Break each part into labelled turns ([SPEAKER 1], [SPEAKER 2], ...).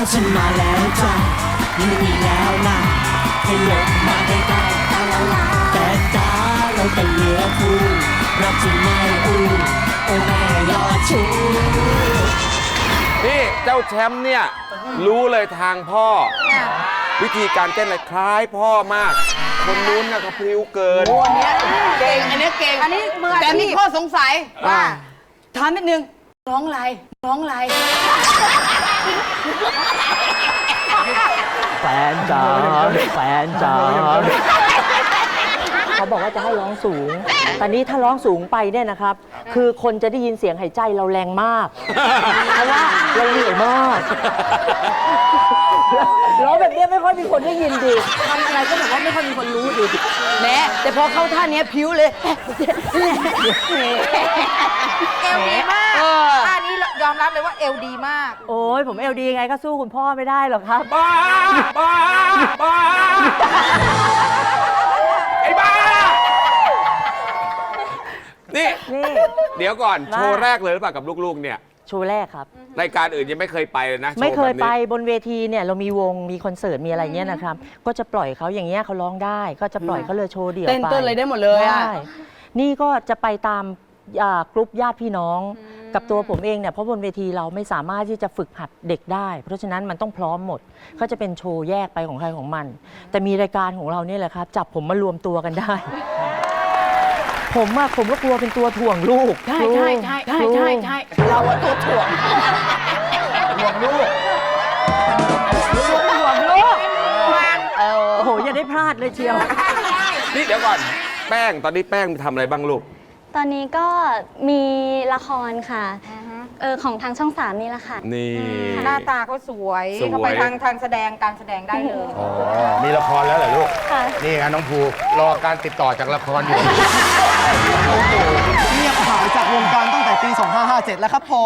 [SPEAKER 1] ฉันมาแล้วจ้ะอยู่นี่แล้วนะให้ลงมาใกล้ๆแต่จ้าเราเป็นเรือคู่รักจริงไม่อู้โอ้แม่ยอดชู
[SPEAKER 2] นี่เจ้าแชมป์เนี่ยรู้เลยทางพ่อ วิธีการเต้นอะไรคล้ายพ่อมาก คนนู้นน่ะก็พริ้วเกิน
[SPEAKER 3] โอ้อันเนี้ยเก่งอันเนี้ยเก่ง
[SPEAKER 4] อันนี้มืออาชีพ
[SPEAKER 3] แต่มีข้อสงสัย
[SPEAKER 2] ว่า
[SPEAKER 3] ถามนิดนึงร้องอะไรร้องอะไร
[SPEAKER 1] แฟนจ๋าแฟนจ๋าเขาบอกว่าจะให้ร้องสูง แต่นี้ถ้าร้องสูงไปเนี่ยนะครับ คือคนจะได้ยินเสียงหายใจเราแรงมาก เพราะว่าเราเหนื่อยมากร้องแบบนี้ไม่ค่อยมีคนได้ยินดิ
[SPEAKER 3] ทำอะไรก็แบบว่าไม่ค่อยมีคนรู้ดิแหมแต่พอเข้าท่านี้ผิวเลย
[SPEAKER 4] เอวดีมากท่านี้ยอมรับเลยว่าเอวดีมาก
[SPEAKER 1] โอ้ยผมเอลดีไงก็สู้คุณพ่อไม่ได้หรอกครับ
[SPEAKER 2] บ้าบ้าบ้าไอ้บ้านี่
[SPEAKER 1] นี่
[SPEAKER 2] เดี๋ยวก่อน
[SPEAKER 1] ว่า
[SPEAKER 2] โชว์แรกเลยหรือเปล่ากับลูกๆเนี่ย
[SPEAKER 1] โชว์แรกครับ
[SPEAKER 2] รายการอื่นยังไม่เคยไปเลยนะโชว์
[SPEAKER 1] ไม่เคย
[SPEAKER 2] แบบนี้
[SPEAKER 1] ไปบนเวทีเนี่ยเรามีวงมีคอนเสิร์ตมีอะไรเงี้ยนะครับ ก็จะปล่อยเขาอย่างเงี้ยเขาร้องได้ ก็จะปล่อยเขาเลยโชว์เดี่ยว
[SPEAKER 3] เต้น
[SPEAKER 1] ไป
[SPEAKER 3] เต้นอะไรได้หมดเลยอะ
[SPEAKER 1] ใช่นี่ก็จะไปตามกลุ่มญาติพี่น้อง กับตัวผมเองเนี่ยเพราะบนเวทีเราไม่สามารถที่จะฝึกหัดเด็กได้ เพราะฉะนั้นมันต้องพร้อมหมดเขาจะเป็นโชว์แยกไปของใครของมัน แต่มีรายการของเราเนี่ยแหละครับจับผมมารวมตัวกันได้ ผมก็กลัวเป็นตัวถ่วงลูก
[SPEAKER 3] ใช่ใช่ใช่ใช่ใช่ใช่เราอะตัวถ่วง
[SPEAKER 1] ถ่วงลูกโอ้โหอย่าได้พลาดเลยเชียว
[SPEAKER 2] นี่เดี๋ยวก่อนแป้งตอนนี้แป้งทำอะไรบ้างลูก
[SPEAKER 5] ตอนนี้ก็มีละครค่ะของทางช่อง3นี่แหละค่ะ
[SPEAKER 2] นี่
[SPEAKER 4] หน้าตาเขาสวย
[SPEAKER 2] สวย
[SPEAKER 4] เขาไปทางแสดงการแสดงได้เลย
[SPEAKER 6] อ๋อ มีละครแล้วเหรอลูก
[SPEAKER 5] ค่ะ
[SPEAKER 6] นี่ไงน้องภูรอการติดต่อจากละครอยู่
[SPEAKER 7] เงียบหายจากวงการตั้งแต่ปี 2557 แล้วครับผม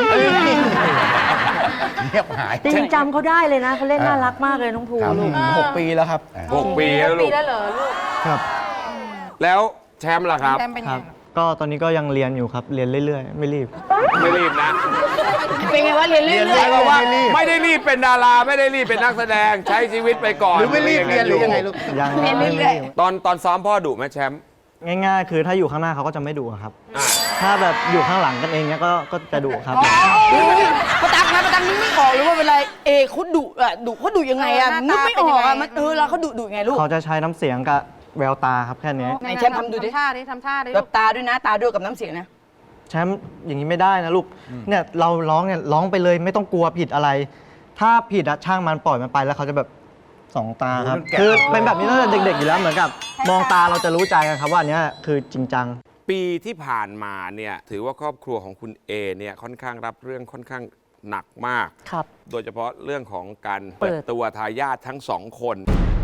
[SPEAKER 6] เงียบหาย
[SPEAKER 1] จริงจำเขาได้เลยนะเขาเล่นน่ารักมากเลยน้องภู
[SPEAKER 6] ครับ
[SPEAKER 1] ลูก
[SPEAKER 7] 6 ปีแล้วครับ
[SPEAKER 2] 6 ปีแล้วลู
[SPEAKER 4] ปี
[SPEAKER 2] ก
[SPEAKER 4] แล้วเหรอลูก
[SPEAKER 7] ครับ
[SPEAKER 2] แล้วแชมป์ล่ะครับ
[SPEAKER 4] แต้มเป็นไง
[SPEAKER 8] ก็ตอนนี้ก็ยังเรียนอยู่ครับ เรียนเรื่อยๆ ไม่รีบ
[SPEAKER 2] ไม่รีบนะ
[SPEAKER 3] เป็นไงวะเรียนเรื่
[SPEAKER 2] ห
[SPEAKER 3] อ
[SPEAKER 2] มาย
[SPEAKER 3] ย
[SPEAKER 2] ความว่าไม่ได้รีบเป็นดาราไม่ได้รีบเป็นนักแสดงใช้ชีวิตไปก่อน
[SPEAKER 6] หรือไม่รีบเรียนหรือยังไงลูก
[SPEAKER 8] ยัง
[SPEAKER 3] เรียน
[SPEAKER 8] ไม่
[SPEAKER 3] เรื่อย
[SPEAKER 8] รีบ
[SPEAKER 2] ตอนซ้อมพ่อดุไหมแชมป์
[SPEAKER 8] ง่ายๆ คือถ้าอยู่ข้างหน้าเขาก็จะไม่ดุอะครับ
[SPEAKER 2] อ่ะ
[SPEAKER 8] ถ้าแบบอยู่ข้างหลังกันเองเนี้ยก็จะดุครับ
[SPEAKER 3] ประตักนะประตักนึกไม่ออกเลยว่าเวลาเขาดุอะดุเขาดุยังไงอะ
[SPEAKER 4] หน้าตา
[SPEAKER 3] นึกไม่ออกอะ
[SPEAKER 4] เป็นยังไง
[SPEAKER 3] มันแล้วเขาดุยังไงลูก
[SPEAKER 8] เขาจะใช้น้ำเสียงกับแววตาครับแค่นี้
[SPEAKER 3] ไหนแชมป์ทำดูดิ
[SPEAKER 4] ทำท่าดิทำท่าดิ
[SPEAKER 3] แบ
[SPEAKER 4] ลู
[SPEAKER 3] บ
[SPEAKER 4] ก
[SPEAKER 3] ตาด้วยนะตาด้วยกับน้ำเสียงนะ
[SPEAKER 8] แชมป์อย่างนี้ไม่ได้นะลูก เนี่ยเราร้องเนี่ยร้องไปเลยไม่ต้องกลัวผิดอะไร ถ้าผิดอะช่างมันปล่อยมันไปแล้วเขาจะแบบสองตาครับ
[SPEAKER 6] มันแกะ
[SPEAKER 8] คือเป็นแบบนี้ตั้งแต่เด็กๆอยู่แล้วเหมือนกับ มองตาเราจะรู้ใจกันครับว่าอันเนี้ยคือจริงจัง
[SPEAKER 2] ปีที่ผ่านมาเนี่ยถือว่าครอบครัวของคุณเอเนี่ยค่อนข้างรับเรื่องค่อนข้างหนักมาก
[SPEAKER 1] ครับ
[SPEAKER 2] โดยเฉพาะเรื่องของการ
[SPEAKER 1] เปิ
[SPEAKER 2] เปิ
[SPEAKER 1] ด
[SPEAKER 2] ดตัวทายาททั้งสองคน